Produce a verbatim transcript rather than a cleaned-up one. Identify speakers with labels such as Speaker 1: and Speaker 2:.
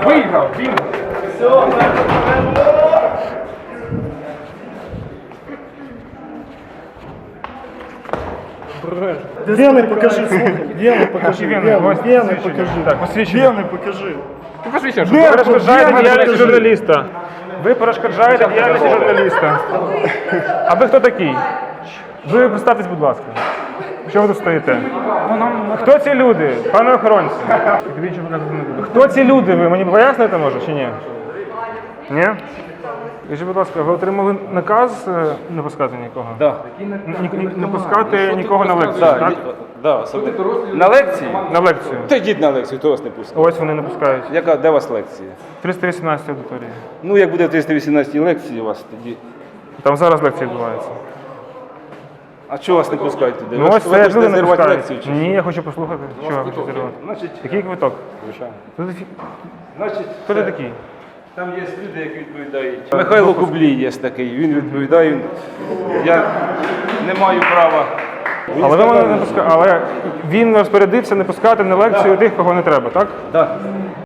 Speaker 1: Виграв, він.
Speaker 2: Вены покажи, слухай. Вены покажи.
Speaker 1: Вени,
Speaker 2: Вены,
Speaker 1: ось
Speaker 2: вены
Speaker 1: посвідчення.
Speaker 2: покажи.
Speaker 1: Так, посвідчення.
Speaker 2: Вены покажи.
Speaker 1: Ти посвідчення, що
Speaker 2: Вены,
Speaker 1: ви перешкоджаєте
Speaker 2: вены
Speaker 1: діяльності
Speaker 2: покажи.
Speaker 1: журналіста. Ви перешкоджаєте діяльності журналіста. А ви хто такий? Ви представтесь, будь ласка. Що ви тут стоїте? Хто ці люди, пане охоронці? Хто ці люди? Ви мені поясните, може, чи ні? Ні? Скажіть, будь ласка, ви отримали наказ е, не пускати нікого?
Speaker 3: Да.
Speaker 1: Ні- ні- Не пускати нікого на лекцію,
Speaker 3: Да,
Speaker 1: так?
Speaker 3: ді- да, особливо. На лекції?
Speaker 1: На лекцію.
Speaker 3: Та йдіть на лекцію, хто вас не пускає.
Speaker 1: Ось вони не пускають.
Speaker 3: Яка, де у вас лекція?
Speaker 1: триста вісімнадцята аудиторія.
Speaker 3: Ну, як буде в триста вісімнадцятій лекції у вас, тоді...
Speaker 1: Там зараз лекція відбувається.
Speaker 3: А чого вас не пускають туди?
Speaker 1: Ну
Speaker 3: ви
Speaker 1: ось
Speaker 3: ви
Speaker 1: це
Speaker 3: хочете
Speaker 1: люди не
Speaker 3: зірвати
Speaker 1: пускають.
Speaker 3: лекцію? Чи?
Speaker 1: Ні, я хочу послухати. Що я хочу зірвати?
Speaker 3: Значить,
Speaker 1: Який квиток?
Speaker 3: звичайно.
Speaker 1: Хто ти-
Speaker 3: Значить,
Speaker 1: Хто ти такий?
Speaker 3: там є люди, які відповідають. Михайло Кублій є такий, він відповідає. Він... Я не маю права.
Speaker 1: Але ви мене не пускаєте. Але він розпорядився не пускати на лекцію тих, кого не треба, так?
Speaker 3: Так.